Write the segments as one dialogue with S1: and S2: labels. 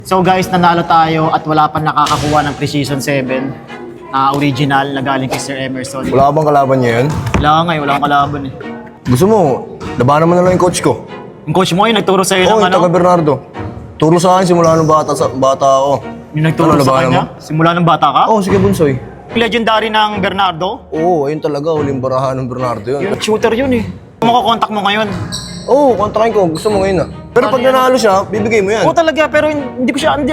S1: So guys, nanalo tayo at wala pa nakakakuha ng Precision 7 na original na galing kay Sir Emerson.
S2: Wala ka bang kalaban niya yun?
S1: Wala akong kalaban eh.
S2: Gusto mo, labanan mo na lang yung coach ko.
S1: Yung coach mo yung nagturo sa'yo
S2: Oo,
S1: ng
S2: yung taga Bernardo. Turo sa akin simula nung bata ako.
S1: Yung nagturo
S2: Ano,
S1: sa
S2: labanan
S1: kanya? Simula ng bata ka?
S2: Oo, sige Bunsoy.
S1: Legendary ng Bernardo?
S2: Oo, ayun talaga, huling barahan ng Bernardo yun.
S1: Yung shooter yun eh. Makakontak mo ngayon.
S2: Oo, kontrakin ko. Gusto mo ngayon Pero pag nanalo siya, bibigay mo yan.
S1: Oo talaga, pero hindi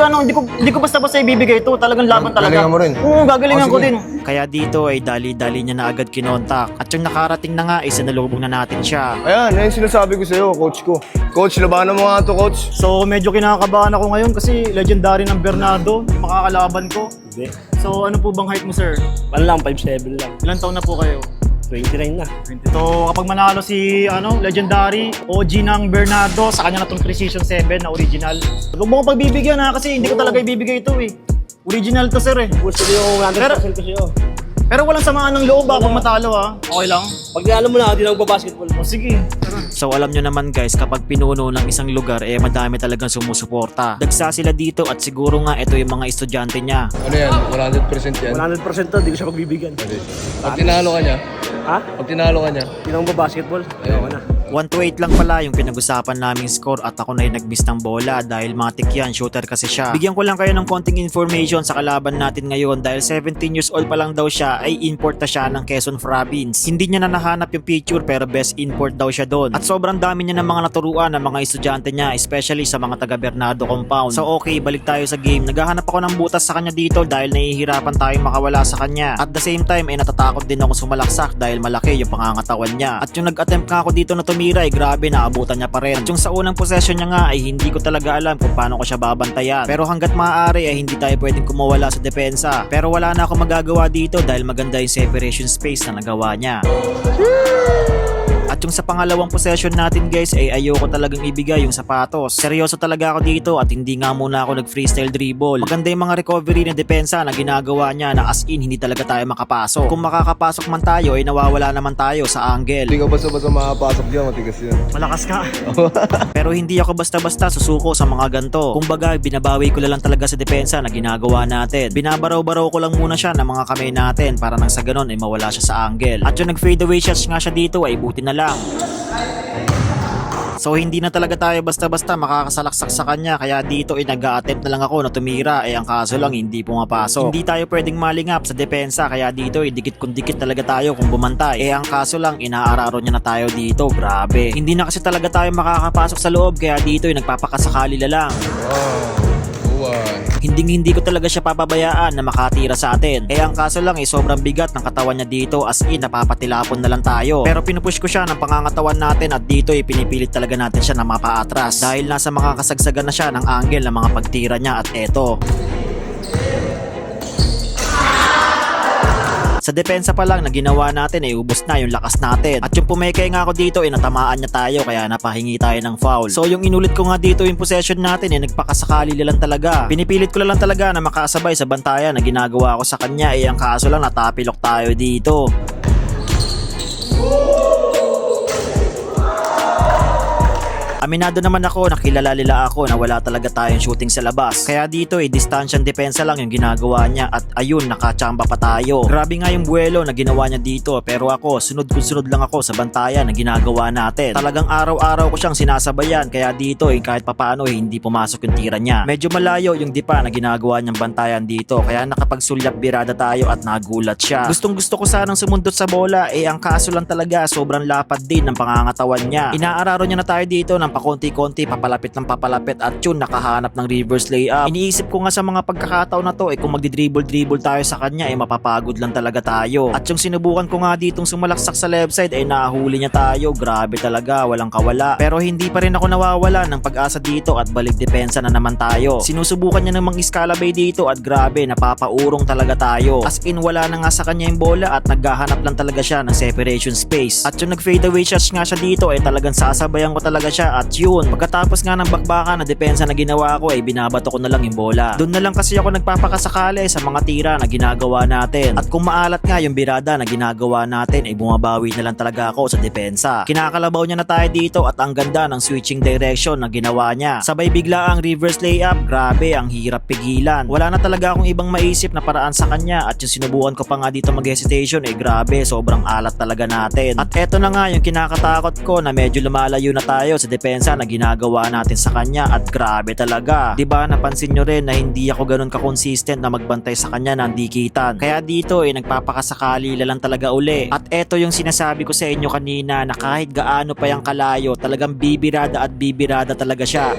S1: ko basta-basta ibibigay ito. Talagang laban talaga.
S2: Galingan mo rin.
S1: Oo, gagalingan ko
S2: sige.
S1: din. Kaya dito ay dali-dali niya na agad kinontak. At yung nakarating na nga, isinalubong na natin siya.
S2: Ayan, yan yung sinasabi ko sa'yo, coach ko. Coach, labanan mo nga to, coach.
S1: So medyo kinakabahan ako ngayon kasi legendary ng Bernardo, makakalaban ko.
S3: Hindi.
S1: So ano po bang height mo, sir?
S3: Ano lang, 5'7 lang.
S1: Ilang taon na po kayo?
S3: 29 na.
S1: So kapag manalo si legendary OG ng Bernardo, sa kanya na tong Precision 7 na original. Huwag mo ko pagbibigyan ha kasi hindi ko talaga ibibigay ito eh. Original to sir eh.
S3: Gusto ko yung 100% ko sa'yo.
S1: Pero walang samaan ng loob ha pag matalo ha. Okay lang?
S3: Pag alam mo na, hindi na magbabasketball.
S1: O sige.
S4: So alam nyo naman guys, kapag pinuno ng isang lugar, madami talagang sumusuporta. Dagsa sila dito at siguro nga ito yung mga estudyante niya.
S2: Ano yan? 100% yan?
S3: 100% to, hindi ko siya pagbibigyan.
S2: Pag tinalo ka niya?
S3: Ha?
S2: Pag tinalo ka niya?
S3: Hindi na magbabasketball. Ayoko na.
S4: 1-8 lang pala yung pinag-usapan naming score at ako na yung nag-miss ng bola dahil matik yan, shooter kasi siya. Bigyan ko lang kayo ng konting information sa kalaban natin ngayon dahil 17 years old pa lang daw siya ay import na siya ng Quezon Province. Hindi niya na nahanap yung picture pero best import daw siya doon. At sobrang dami niya ng mga naturuan ng mga estudyante niya, especially sa mga taga Bernardo compound. So okay, balik tayo sa game. Naghahanap ako ng butas sa kanya dito dahil nahihirapan tayong makawala sa kanya. At the same time natatakot din ako sumalaksak dahil malaki yung pangangatawan niya. At yung nag-attempt ka ako dito na tumira grabe, naabutan niya pa rin. At yung sa unang possession niya nga ay hindi ko talaga alam kung paano ko siya babantayan. Pero hanggat maaari ay hindi tayo pwedeng kumawala sa depensa. Pero wala na akong magagawa dito dahil maganda yung separation space na nagawa niya. At yung sa pangalawang possession natin guys ay ayoko talagang ibigay yung sapatos. Seryoso talaga ako dito at hindi nga muna ako nag-freestyle dribble. Maganda yung mga recovery na depensa na ginagawa niya na as in hindi talaga tayo makapasok. Kung makakapasok man tayo ay nawawala naman tayo sa angle.
S2: Hindi ka basta-basta makapasok dyan, matigas yan.
S1: Malakas ka.
S4: Pero hindi ako basta-basta susuko sa mga ganto. Kumbaga, binabawi ko lang talaga sa depensa na ginagawa natin. Binabaraw-baraw ko lang muna siya ng mga kamay natin para nang sa ganon ay mawala siya sa angle. At yung nag-fade away shots nga siya dito ay buti na lang. So hindi na talaga tayo basta-basta makakasalaksak sa kanya kaya dito ay nag-a-attempt na lang ako na tumira ang kaso lang hindi pumapasok. Hindi tayo pwedeng malingap sa depensa kaya dito ay dikit kung dikit talaga tayo kung bumantay. Ang kaso lang inaararo niya na tayo dito, grabe. Hindi na kasi talaga tayo makakapasok sa loob kaya dito ay nagpapakasakali na lang. Hindi ko talaga siya papabayaan na makatira sa atin. Ang kaso lang sobrang bigat ng katawan niya dito as in napapatilapon na lang tayo. Pero pinupush ko siya ng pangangatawan natin at dito pinipilit talaga natin siya na mapaatras. Dahil nasa mga kasagsagan na siya ng angle ng mga pagtira niya at eto. Sa depensa pa lang na ginawa natin ubos na yung lakas natin. At yung pumekay nga ako dito natamaan niya tayo kaya napahingi tayo ng foul. So yung inulit ko nga dito yung possession natin nagpakasakali lang talaga. Pinipilit ko lang talaga na makasabay sa bantayan na ginagawa ko sa kanya ang kaso lang natapilok tayo dito. Aminado naman ako, nakilala nila ako na wala talaga tayong shooting sa labas. Kaya dito distansyang depensa lang yung ginagawa niya at ayun, nakachamba pa tayo. Grabe nga yung buwelo na ginawa niya dito pero ako, sunod lang ako sa bantayan na ginagawa natin. Talagang araw-araw ko siyang sinasabayan kaya dito kahit papaano hindi pumasok yung tira niya. Medyo malayo yung dipa na ginagawa niyang bantayan dito kaya nakapagsulyap birada tayo at nagulat siya. Gustong gusto ko sanang sumundot sa bola ang kaso lang talaga sobrang lapad din ng pangangatawan niya. Inaararo niya na tayo dito ng pakonti-konti, papalapit at yun, nakahanap ng reverse layup. Iniisip ko nga sa mga pagkakataon na to kung magdi-dribble tayo sa kanya mapapagod lang talaga tayo. At yung sinubukan ko nga ditong sumalaksak sa left side nahuli niya tayo. Grabe talaga, walang kawala. Pero hindi pa rin ako nawawala ng pag-asa dito at balik depensa na naman tayo. Sinusubukan niya namang iskalabay dito at grabe, napapaurong talaga tayo. As in, wala na nga sa kanya yung bola at naghahanap lang talaga siya ng separation space. At yung nag-fade away shots nga siya dito talagang sasabayan ko talaga siya siya at yun, pagkatapos nga ng bakbakan na depensa na ginawa ko ay binabato ko na lang yung bola. Doon na lang kasi ako nagpapakasakali sa mga tira na ginagawa natin. At kung maalat nga yung birada na ginagawa natin ay bumabawi na lang talaga ako sa depensa. Kinakalabaw niya na tayo dito at ang ganda ng switching direction na ginawa niya. Sabay bigla ang reverse layup, grabe ang hirap pigilan. Wala na talaga akong ibang maisip na paraan sa kanya at yung sinubukan ko pa nga dito mag-hesitation eh grabe, sobrang alat talaga natin. At eto na nga yung kinakatakot ko na medyo lumalayo na tayo sa depensa na ginagawa natin sa kanya at grabe talaga. Diba napansin nyo rin na hindi ako ganun ka-consistent na magbantay sa kanya ng dikitan. Kaya dito eh nagpapakasakali lang talaga uli. At eto yung sinasabi ko sa inyo kanina na kahit gaano pa yung kalayo talagang bibirada at bibirada talaga siya.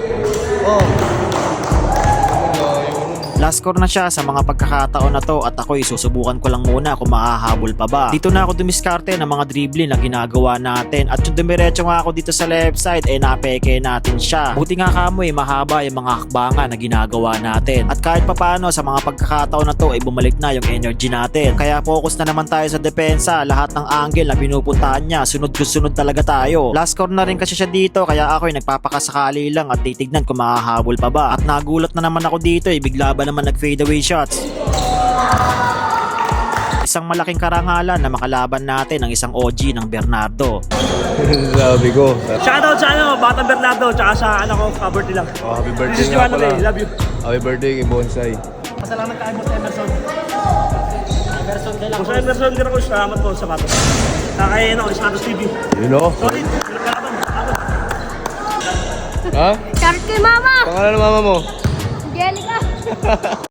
S4: Last score na siya sa mga pagkakataon na to at ako susubukan ko lang muna kung makahabol pa ba. Dito na ako dumiskarte ng mga dribbling na ginagawa natin at yung dumiretso nga ako dito sa left side napeke natin siya. Buti nga kamo mahaba yung mga hakbangan na ginagawa natin. At kahit papano sa mga pagkakataon na to bumalik na yung energy natin. Kaya focus na naman tayo sa depensa. Lahat ng angle na pinupuntahan niya, sunod talaga tayo. Last score na rin kasi siya dito kaya ako nagpapakasakali lang at titignan kung makahabol pa ba. At nagulat na naman ako dito bigla ba naman nag-fade away shots. Isang malaking karangalan na makalaban natin ang isang OG ng Bernardo.
S2: Sabi ko.
S3: Shoutout sa Batang Bernardo, tsaka sa anak ko, ka-birthday lang.
S2: Oh, happy birthday
S3: This is
S2: nga
S3: Joanna
S2: pala.
S3: Ray, love you.
S2: Happy birthday kay Bonsai.
S1: Pasalamat tayo mo sa Emerson.
S3: Kung sa Emerson, hindi ako salamat po sa bato. Kaya Santos TV.
S2: Yun o.
S3: Sorry, nagkalaban.
S2: Ha?
S5: Shout kay mama!
S2: Pangalan ng mama mo?
S5: Angelica!